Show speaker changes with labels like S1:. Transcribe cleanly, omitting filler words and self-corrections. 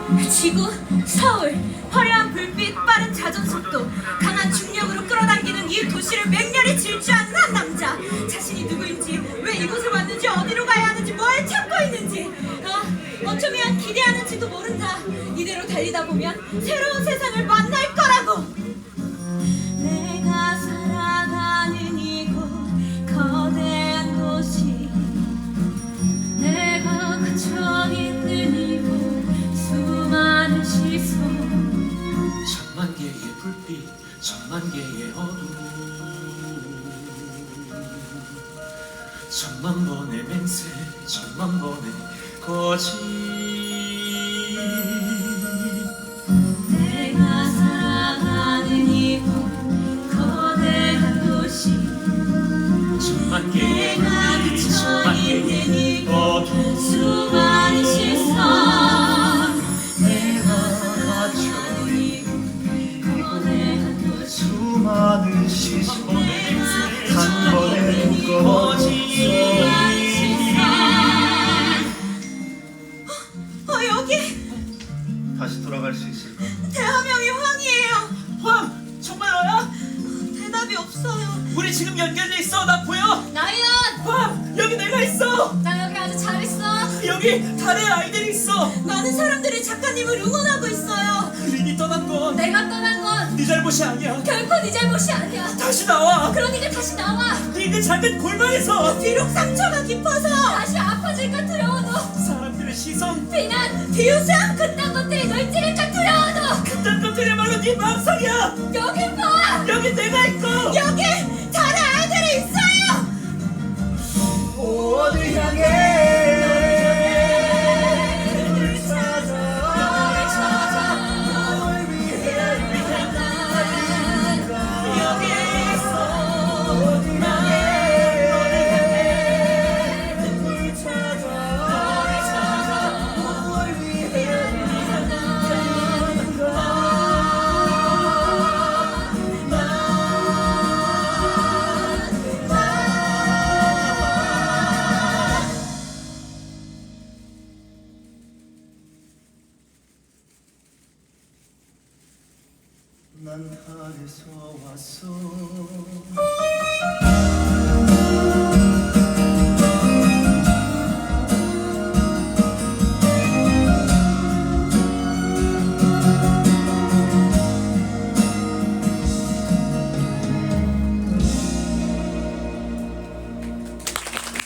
S1: 지구, 서울, 화려한 불빛, 빠른 자전속도, 강한 중력으로 끌어당기는 이 도시를 맹렬히 질주하는 한 남자. 자신이 누구인지, 왜 이곳을 왔는지, 어디로 가야 하는지, 뭘 찾고 있는지, 어쩌면 기대하는지도 모른다. 이대로 달리다 보면 새로운 세상을 만날 거라고. 내가 살아가는 이곳, 거대한 도시, 내가 갇혀 있는 이곳, 수많은 시선,
S2: 천만 개의 불빛, 천만 개의 어둠, 천만 번의 맹세, 천만 번의 거짓.
S1: 내가 살아가는 이곳, 거대한 도시,
S2: 천만 개의
S1: 내가
S2: 불빛,
S1: 갇혀
S2: 천만
S1: 있는
S2: 개의
S1: 이곳,
S2: 어둠,
S1: 수많은 시선,
S2: 내가 갇혀
S1: 있는 거대한 도시,
S3: 수많은 시선에 한 번에 묶어버린
S1: 여기
S3: 다시 돌아갈 수 있을까?
S1: 대화명이 황이에요.
S2: 황! 정말 너야?
S1: 대답이 없어요.
S2: 우리 지금 연결돼 있어. 나 보여.
S1: 나연!
S2: 황! 여기 내가 있어.
S1: 나 여기 아주 잘 있어.
S2: 여기 달의 아이들이 있어.
S1: 많은 사람들이 작가님을 응원하고 있어요.
S2: 린이 떠난 건 네
S1: 내가 떠난 건
S2: 잘못이 아니야.
S1: 결코 네 잘못이 아니야.
S2: 다시 나와.
S1: 그러니까 다시 나와.
S2: 네 그 작은 골방에서
S1: 비록 상처가 깊어서 다시 아파질까 두려워도,
S2: 사람들의 시선,
S1: 비난, 비웃음, 그딴 것들이 널 찌를까 두려워도,
S2: 그딴 것들이야말로 네 마음속이야.
S1: 여기 봐.
S2: 여기 내가 있고.
S1: 여기 달의 아이들이 있어요.
S3: 어디 향해 널 찾아 널 위해
S2: 여기 있어.
S3: 어디 향해 널 찾아 널 위해 난 하늘에서 왔어